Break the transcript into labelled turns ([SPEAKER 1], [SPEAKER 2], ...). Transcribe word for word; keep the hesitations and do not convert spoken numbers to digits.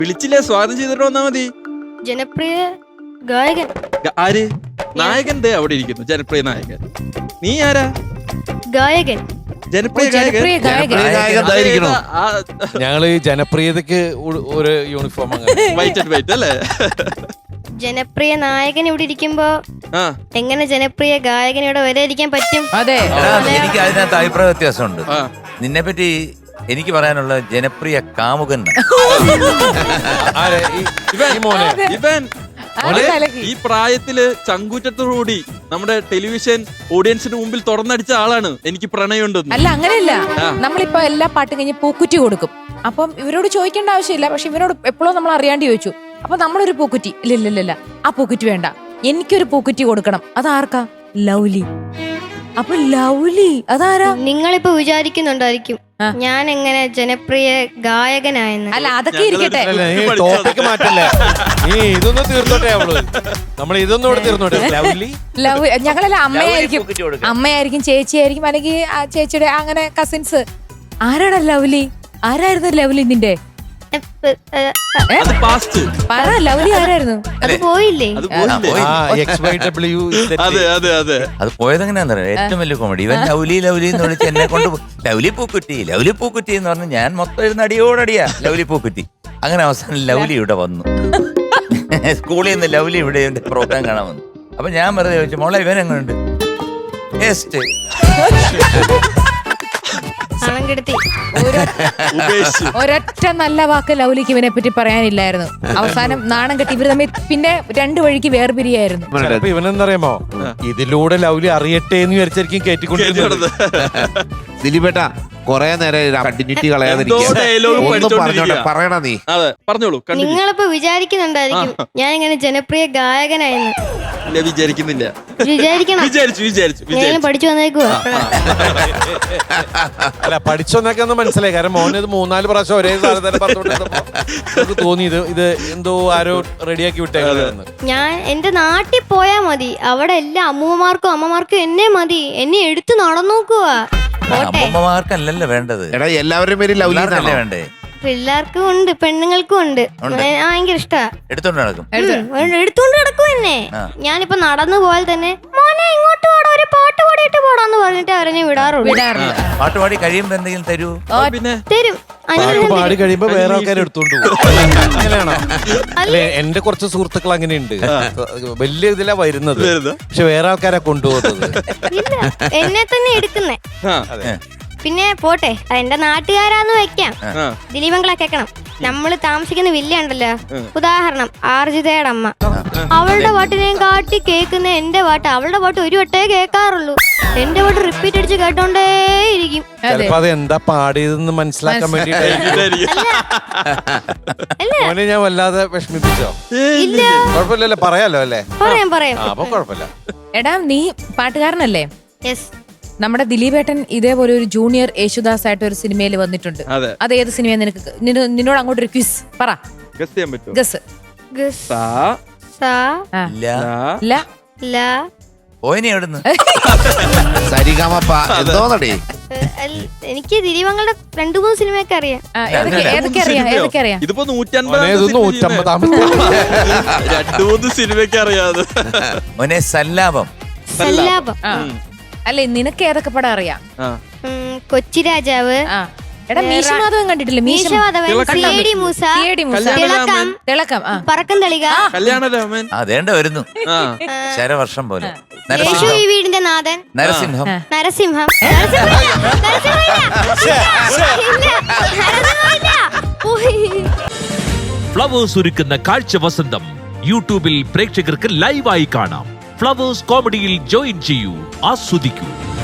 [SPEAKER 1] വിളിച്ചില്ലേ, സ്വാഗതം ചെയ്തിട്ട് വന്നാ മതി.
[SPEAKER 2] ജനപ്രിയ ഗായകൻ
[SPEAKER 1] ആര്? നായകൻ ദേ അവിടെ ഇരിക്കുന്നു, ജനപ്രിയ നായകൻ. നീ ആരാ?
[SPEAKER 2] ഗായകൻ.
[SPEAKER 1] ജനപ്രിയ
[SPEAKER 3] ഗായകൻ. ഞങ്ങള് ജനപ്രിയതക്ക് ഒരു യൂണിഫോം
[SPEAKER 1] വൈറ്റ് ആൻഡ് വൈറ്റ് അല്ലേ?
[SPEAKER 2] ജനപ്രിയ നായകൻ ഇവിടെ ഇരിക്കുമ്പോ എങ്ങനെ ജനപ്രിയ ഗായകൻ ഇവിടെ വരെ ഇരിക്കാൻ പറ്റും?
[SPEAKER 4] അതെ,
[SPEAKER 5] എനിക്ക് അതിനകത്ത് അഭിപ്രായ വ്യത്യാസമുണ്ട്. നിന്നെ പറ്റി എനിക്ക് പറയാനുള്ള ജനപ്രിയ കാമുകൻ.
[SPEAKER 1] ഇവൻ ഈ പ്രായത്തില് ചങ്കൂറ്റത്തോടുകൂടി നമ്മുടെ ടെലിവിഷൻ ഓഡിയൻസിന് മുമ്പിൽ തുറന്നടിച്ച ആളാണ്. എനിക്ക് പ്രണയമുണ്ടെന്ന്.
[SPEAKER 4] അല്ല, അങ്ങനെയല്ല. നമ്മളിപ്പോ എല്ലാ പാട്ടും കഴിഞ്ഞ് പൂക്കുറ്റി കൊടുക്കും. അപ്പം ഇവരോട് ചോദിക്കേണ്ട ആവശ്യമില്ല. പക്ഷെ ഇവരോട് എപ്പോഴും നമ്മൾ അറിയാണ്ട് ചോദിച്ചു. അപ്പൊ നമ്മളൊരു പൂക്കുറ്റി, ഇല്ല ഇല്ല ഇല്ല ആ പൂക്കുറ്റി വേണ്ട, എനിക്കൊരു പൂക്കുറ്റി കൊടുക്കണം. അതാർക്കാ? ലൗലി. അപ്പൊ ലൗലി അതാരാ?
[SPEAKER 2] നിങ്ങളിപ്പോ വിചാരിക്കുന്നുണ്ടായിരിക്കും ഞാൻ എങ്ങനെ ജനപ്രിയ ഗായകനായെന്ന്.
[SPEAKER 4] അല്ല, അതൊക്കെ ഇരിക്കട്ടെ.
[SPEAKER 3] ടോപ്പിക്ക് മാറ്റല്ലേ, നീ ഇതൊന്നും തീർത്തോട്ടെ. നമ്മൾ ഇതൊന്നും ഇവിടെ തീർന്നോട്ടെ.
[SPEAKER 4] ലവ് ഞങ്ങളെല്ലാം അമ്മയായിരിക്കും, അമ്മയായിരിക്കും, ചേച്ചിയായിരിക്കും, അല്ലെങ്കിൽ ചേച്ചിയുടെ അങ്ങനെ കസിൻസ്. ആരാടാ ലവ്ലി? ആരായിരുന്നു ലവ്ലി നിന്റെ? പറ, ലവ്ലി ആരായിരുന്നു?
[SPEAKER 2] അത് പോയില്ലേ?
[SPEAKER 5] അത് പോയതെങ്ങനെയാന്ന് പറയാം. ഏറ്റവും വലിയ കോമഡി, ഇവൻ ലൗലി ലൗലി എന്ന് വിളിച്ച് എന്നെ കൊണ്ട് ലൗലി പൂക്കുറ്റി ലൗലി പൂക്കുറ്റി എന്ന് പറഞ്ഞ് ഞാൻ മൊത്തം ഇരുന്ന് അടിയോടടിയാ ലൗലി പൂക്കുറ്റി. അങ്ങനെ അവസാനം ലൗലി ഇവിടെ വന്നു. സ്കൂളിൽ നിന്ന് ലൗലി ഇവിടെ പ്രോഗ്രാം കാണാൻ വന്നു. അപ്പൊ ഞാൻ വെറുതെ ചോദിച്ചു, മോളെ ഇവൻ എങ്ങനെയുണ്ട്?
[SPEAKER 4] ഒരൊറ്റ നല്ല വാക്ക് ലൗലിക്ക് ഇവനെ പറ്റി പറയാനില്ലായിരുന്നു. അവസാനം നാണം കെട്ടി ഇവർ തമ്മിൽ പിന്നെ രണ്ടു വഴിക്ക് വേർപിരിയായിരുന്നു.
[SPEAKER 3] ഇവനെന്തറിയാമോ, ഇതിലൂടെ ലൗലി അറിയട്ടെ എന്ന് വിചാരിച്ചായിരിക്കും കേറ്റിക്കൊണ്ടിരുന്നത്.
[SPEAKER 6] ദിലീപേട്ടാ, കൊറേ നേരം കണ്ടിന്യൂറ്റി കളയാതിരിക്കുക, പറയണ നീ.
[SPEAKER 1] പറഞ്ഞോളൂ.
[SPEAKER 2] നിങ്ങളിപ്പോ വിചാരിക്കുന്നുണ്ടായിരിക്കും ഞാൻ ഇങ്ങനെ ജനപ്രിയ ഗായകനായെന്ന്.
[SPEAKER 1] വിചാരിക്കുന്നില്ല,
[SPEAKER 2] വിചാരിക്കണം.
[SPEAKER 1] വിചാരിച്ചു വിചാരിച്ചു
[SPEAKER 2] ഞാൻ പഠിച്ചു വന്നേക്കുവാ.
[SPEAKER 3] അല്ല, പഠിച്ചൊന്നൊക്കെ ഒന്ന് മനസ്സിലായി. കാരണം മോനത് മൂന്നാല് പ്രാവശ്യം ഒരേ സാധനം പറഞ്ഞുകൊണ്ടിരുന്നപ്പോ തോന്നി ഇത് ഇത് എന്തോ ആരോ റെഡിയാക്കി വിട്ടേക്കാന്ന്.
[SPEAKER 2] ഞാൻ എന്റെ നാട്ടിൽ പോയാ മതി, അവിടെ എല്ലാ അമ്മൂമ്മമാർക്കും അമ്മമാർക്കും എന്നെ മതി. എന്നെ എടുത്ത് നടന്നോക്കുവാ.
[SPEAKER 5] അമ്മമാർക്കല്ലല്ലോ വേണ്ടത്,
[SPEAKER 6] എടാ എല്ലാവരുടെയും പേര് ലൗലിയല്ലേ
[SPEAKER 5] വേണ്ടേ?
[SPEAKER 2] പിള്ളേർക്കും ഉണ്ട്, പെണ്ണുങ്ങൾക്കും ഉണ്ട്. ഭയങ്കര ഇഷ്ടാ.
[SPEAKER 5] എടുത്തോണ്ട് നടക്കും,
[SPEAKER 2] എടുത്തോണ്ട് നടക്കും എന്നെ. ഞാനിപ്പോ നടന്നു പോയാൽ തന്നെ മോനെ ഇങ്ങോട്ട് പോടാ, ഒരു പാട്ട് പാടിയിട്ട് പോടാന്ന് പറഞ്ഞിട്ട് അവരെന്നെ വിടാറുള്ളൂ.
[SPEAKER 5] പാട്ട് പാടി കഴിയുമ്പോ എന്തെങ്കിലും തരൂ?
[SPEAKER 1] പിന്നെ
[SPEAKER 2] തരും.
[SPEAKER 3] പാടി കഴിയുമ്പോ വേറെ ആൾക്കാർ എടുത്തോണ്ട് പോകും. അങ്ങനെയാണോ? അല്ലെ, എന്റെ കുറച്ച് സുഹൃത്തുക്കൾ അങ്ങനെയുണ്ട്. വലിയ ഇതിലാ വരുന്നത്, പക്ഷെ വേറെ ആൾക്കാരാ കൊണ്ടുപോകുന്നത്.
[SPEAKER 2] ഇല്ല, എന്നെ തന്നെ എടുക്കുന്നേ. പിന്നെ പോട്ടെ, എന്റെ നാട്ടുകാരാന്ന് വെക്കാം. ദിലീപങ്കളെ കേക്കണം. നമ്മള് താമസിക്കുന്ന വില്ല ഉണ്ടല്ലോ, ഉദാഹരണം ആർജിതയുടെ അമ്മ, അവളുടെ പാട്ടിനെയും കാട്ടി കേൾക്കുന്ന എന്റെ പാട്ട്. അവളുടെ പാട്ട് ഒരു വട്ടേ കേൾക്കാറുള്ളൂ, എന്റെ പാട്ട് റിപ്പീറ്റ് അടിച്ച് കേട്ടോണ്ടേ ഇരിക്കും.
[SPEAKER 3] ചിലപ്പോ അത് എന്താ പാടിയതെന്ന് മനസ്സിലാക്കാൻ വേണ്ടിട്ട് ഞാൻ വല്ലാതെ വിഷമിപ്പിച്ചോ?
[SPEAKER 2] ഇല്ല,
[SPEAKER 3] കുഴപ്പമില്ലല്ലോ, പറയാലോ അല്ലേ?
[SPEAKER 2] പറയാം പറയാം.
[SPEAKER 3] അപ്പൊ കുഴപ്പമില്ല.
[SPEAKER 4] എടാ, നീ പാട്ടുകാരനല്ലേ?
[SPEAKER 2] യെസ്.
[SPEAKER 4] നമ്മുടെ ദിലീപേട്ടൻ ഇതേപോലെ ഒരു ജൂനിയർ യേശുദാസ് ആയിട്ട് ഒരു സിനിമയിൽ വന്നിട്ടുണ്ട്. അത് ഏത് സിനിമ? നിനക്ക് നിന്നോട് അങ്ങോട്ട് ഒരു ക്വിസ് പറ. ഗസ്.
[SPEAKER 2] എനിക്ക് ദിലീപങ്ങളുടെ രണ്ടു മൂന്ന് സിനിമയൊക്കെ അറിയാം.
[SPEAKER 4] ഏതൊക്കെ അറിയാം? ഏതൊക്കെ അറിയാം?
[SPEAKER 1] ഇതിപ്പോ നൂറ്റമ്പത് രണ്ടു മൂന്ന് സിനിമയൊക്കെ അറിയാതെ.
[SPEAKER 2] സല്ലാപം.
[SPEAKER 4] അല്ലെ, നിനക്ക് ഏതൊക്കെ പടം അറിയാം?
[SPEAKER 2] കൊച്ചി രാജാവ്.
[SPEAKER 4] എടാ, മീശമാധവൻ കണ്ടിട്ടില്ലേ?
[SPEAKER 2] മീശമാധവൻ, സിഐഡി മൂസ, തിളക്കം,
[SPEAKER 4] തിളക്കം,
[SPEAKER 2] പറക്കം തളിക,
[SPEAKER 1] കല്യാണരാമൻ.
[SPEAKER 5] അതേണ്ട വരുന്നു, ശരവർഷം പോലെ.
[SPEAKER 2] യേശു ഈ വീടിന്റെ നാഥൻ,
[SPEAKER 5] നരസിംഹം.
[SPEAKER 2] നരസിംഹം.
[SPEAKER 7] ഫ്ലവേഴ്സ് ഒരുക്കുന്ന കാഴ്ച വസന്തം യൂട്യൂബിൽ പ്രേക്ഷകർക്ക് ലൈവായി കാണാം. ഫ്ലവേഴ്സ് കോമഡിയിൽ ജോയിൻ ചെയ്യൂ, ആസ്വദിക്കൂ.